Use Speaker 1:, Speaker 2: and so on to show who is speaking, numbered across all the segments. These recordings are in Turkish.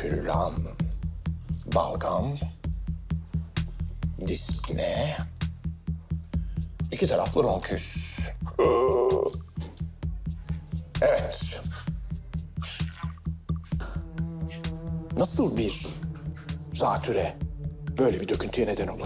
Speaker 1: Küllam, balgam, dispne, iki taraflı ronküs. Evet. Nasıl bir zatüre böyle bir döküntüye neden olur?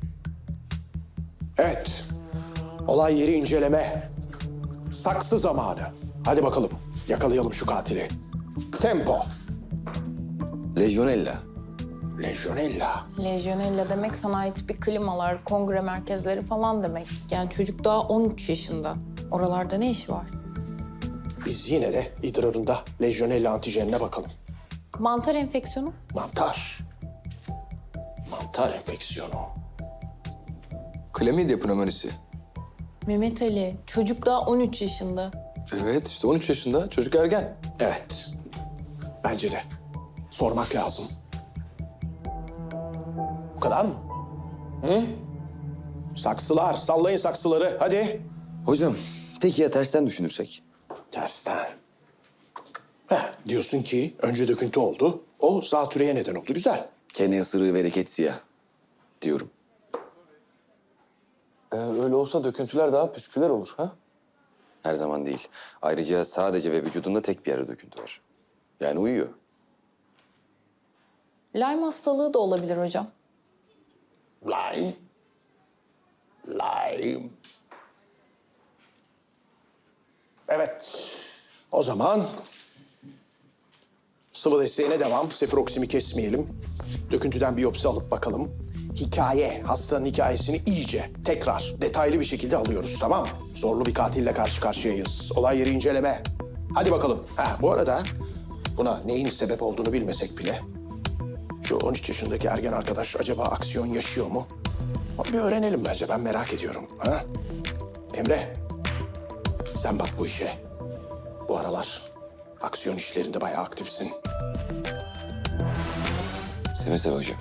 Speaker 1: Evet. Olay yeri inceleme. Saksı zamanı. Hadi bakalım. Yakalayalım şu katili. Tempo.
Speaker 2: Legionella.
Speaker 1: Legionella.
Speaker 3: Lejyonella demek sanayi tipi klimalar, kongre merkezleri falan demek. Yani çocuk daha 13 yaşında. Oralarda ne işi var?
Speaker 1: Biz yine de idrarında Legionella antijenine bakalım.
Speaker 3: Mantar enfeksiyonu?
Speaker 1: Mantar. Mantar enfeksiyonu.
Speaker 2: Klamidya pneumonisi.
Speaker 3: Mehmet Ali, çocuk daha 13 yaşında.
Speaker 2: Evet işte 13 yaşında çocuk ergen.
Speaker 1: Evet. Bence de. Sormak lazım. Bu kadar mı? Hı? Saksılar, sallayın saksıları. Hadi.
Speaker 2: Hocam peki ya tersten düşünürsek?
Speaker 1: Tersten. Diyorsun ki önce döküntü oldu. O zatürreye neden oldu. Güzel.
Speaker 2: Kene ısırığı bereket siyah diyorum.
Speaker 4: Öyle olsa döküntüler daha püsküler olur ha?
Speaker 2: Her zaman değil. Ayrıca sadece ve vücudunda tek bir yerde döküntü var. Yani uyuyor.
Speaker 3: Lyme hastalığı da olabilir hocam.
Speaker 1: Lime. Lime. Evet. O zaman sıvı desteğine devam. Sefiroksimi kesmeyelim. Döküntüden biyopsi alıp bakalım. Hastanın hikayesini iyice, tekrar, detaylı bir şekilde alıyoruz, tamam mı? Zorlu bir katille karşı karşıyayız. Olay yeri inceleme. Hadi bakalım. Bu arada buna neyin sebep olduğunu bilmesek bile... şu 13 yaşındaki ergen arkadaş acaba aksiyon yaşıyor mu? Onu bir öğrenelim bence. Ben merak ediyorum. Emre, sen bak bu işe. Bu aralar aksiyon işlerinde bayağı aktifsin.
Speaker 2: Seve seve hocam.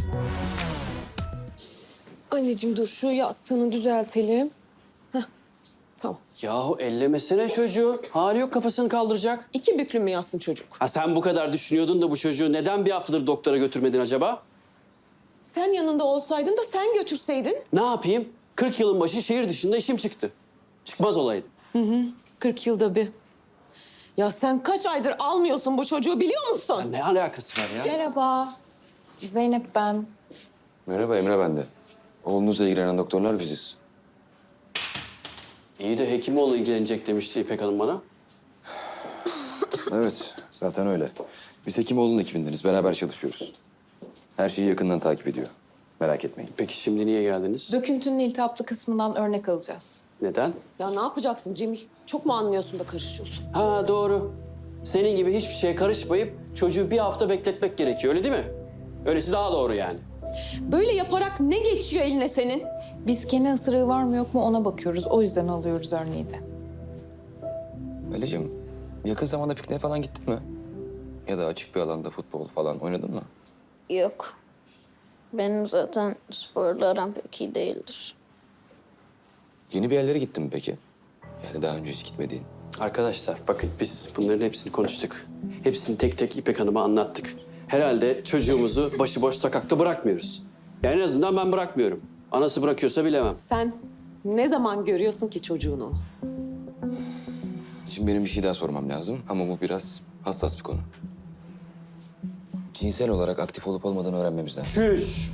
Speaker 5: Anneciğim dur şu yastığını düzeltelim. Heh, tamam.
Speaker 4: Yahu ellemesene çocuğu. Hali yok kafasını kaldıracak.
Speaker 5: 2 büklüm mü yazsın çocuk?
Speaker 4: Ha sen bu kadar düşünüyordun da bu çocuğu neden bir haftadır doktora götürmedin acaba?
Speaker 5: Sen yanında olsaydın da sen götürseydin.
Speaker 4: Ne yapayım? 40 yılın başı şehir dışında işim çıktı. Çıkmaz olaydı.
Speaker 5: 40 yılda bir. Ya sen kaç aydır almıyorsun bu çocuğu biliyor musun?
Speaker 4: Ne alakası var ya?
Speaker 3: Merhaba. Zeynep ben.
Speaker 2: Merhaba Emre ben de. Oğlunuzla ilgilenen doktorlar biziz.
Speaker 4: İyi de Hekimoğlu ilgilenecek demişti İpek Hanım bana.
Speaker 2: Evet zaten öyle. Biz Hekimoğlu'nun ekibindeniz. Beraber çalışıyoruz. Her şeyi yakından takip ediyor. Merak etmeyin.
Speaker 4: Peki şimdi niye geldiniz?
Speaker 3: Döküntünün iltihaplı kısmından örnek alacağız.
Speaker 4: Neden?
Speaker 5: Ya ne yapacaksın Cemil? Çok mu anlıyorsun da karışıyorsun?
Speaker 4: Ha doğru. Senin gibi hiçbir şeye karışmayıp çocuğu bir hafta bekletmek gerekiyor öyle değil mi? Öylesi daha doğru yani.
Speaker 5: Böyle yaparak ne geçiyor eline senin?
Speaker 3: Biz kene ısırığı var mı yok mu ona bakıyoruz. O yüzden alıyoruz örneği de.
Speaker 2: Ali'cim yakın zamanda pikniğe falan gittin mi? Ya da açık bir alanda futbol falan oynadın mı?
Speaker 6: Yok. Benim zaten sporla aram pek iyi değildir.
Speaker 2: Yeni bir yerlere gittin mi peki? Yani daha önce hiç gitmediğin.
Speaker 4: Arkadaşlar bakın biz bunların hepsini konuştuk. Hepsini tek tek İpek Hanım'a anlattık. Herhalde çocuğumuzu başıboş sokakta bırakmıyoruz. Yani en azından ben bırakmıyorum. Anası bırakıyorsa bilemem.
Speaker 5: Sen ne zaman görüyorsun ki çocuğunu?
Speaker 2: Şimdi benim bir şey daha sormam lazım ama bu biraz hassas bir konu. Cinsel olarak aktif olup olmadığını öğrenmemiz lazım.
Speaker 4: Çüş!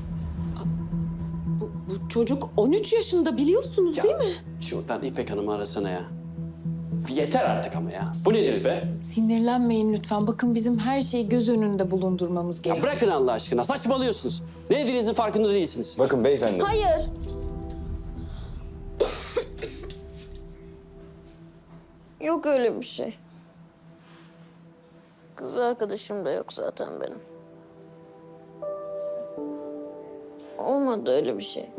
Speaker 5: Bu çocuk 13 yaşında biliyorsunuz değil mi?
Speaker 4: Şuradan İpek Hanım'ı arasana ya. Yeter artık ama ya. Bu nedir be?
Speaker 3: Sinirlenmeyin lütfen. Bakın bizim her şeyi göz önünde bulundurmamız
Speaker 4: Ya
Speaker 3: gerekiyor.
Speaker 4: bırakın Allah aşkına. Saçmalıyorsunuz. Ne dediğinizin farkında değilsiniz.
Speaker 2: Bakın beyefendi.
Speaker 6: Hayır. Yok öyle bir şey. Kız arkadaşım da yok zaten benim. Olmadı öyle bir şey.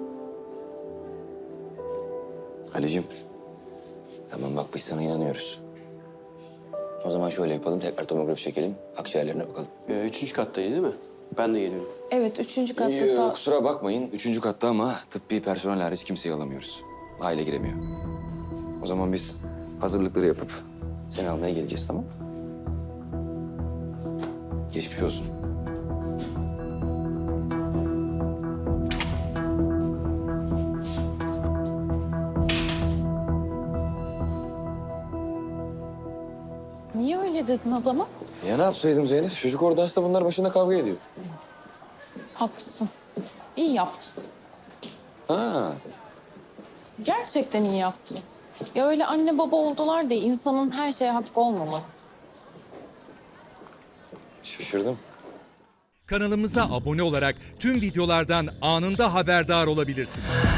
Speaker 2: Ali'cim. Tamam bak biz sana inanıyoruz. O zaman şöyle yapalım. Tekrar tomografi çekelim. Akciğerlerine bakalım.
Speaker 4: 3. kattaydı değil mi? Ben de geliyorum.
Speaker 3: Evet, 3. katta sağ...
Speaker 2: Kusura bakmayın. 3. katta ama tıbbi personel hariç kimseyi alamıyoruz. Aile giremiyor. O zaman biz hazırlıkları yapıp seni almaya geleceğiz tamam mı? Geçmiş olsun.
Speaker 3: Niye öyle dedin adama?
Speaker 2: Ya ne yapsaydım Zeynep? Çocuk orada hasta, bunlar başında kavga ediyor.
Speaker 3: Haklısın. İyi yaptın.
Speaker 2: Ha.
Speaker 3: Gerçekten iyi yaptın. Ya öyle anne baba oldular diye insanın her şeye hakkı olmamalı.
Speaker 2: Şaşırdım.
Speaker 7: Kanalımıza abone olarak tüm videolardan anında haberdar olabilirsiniz.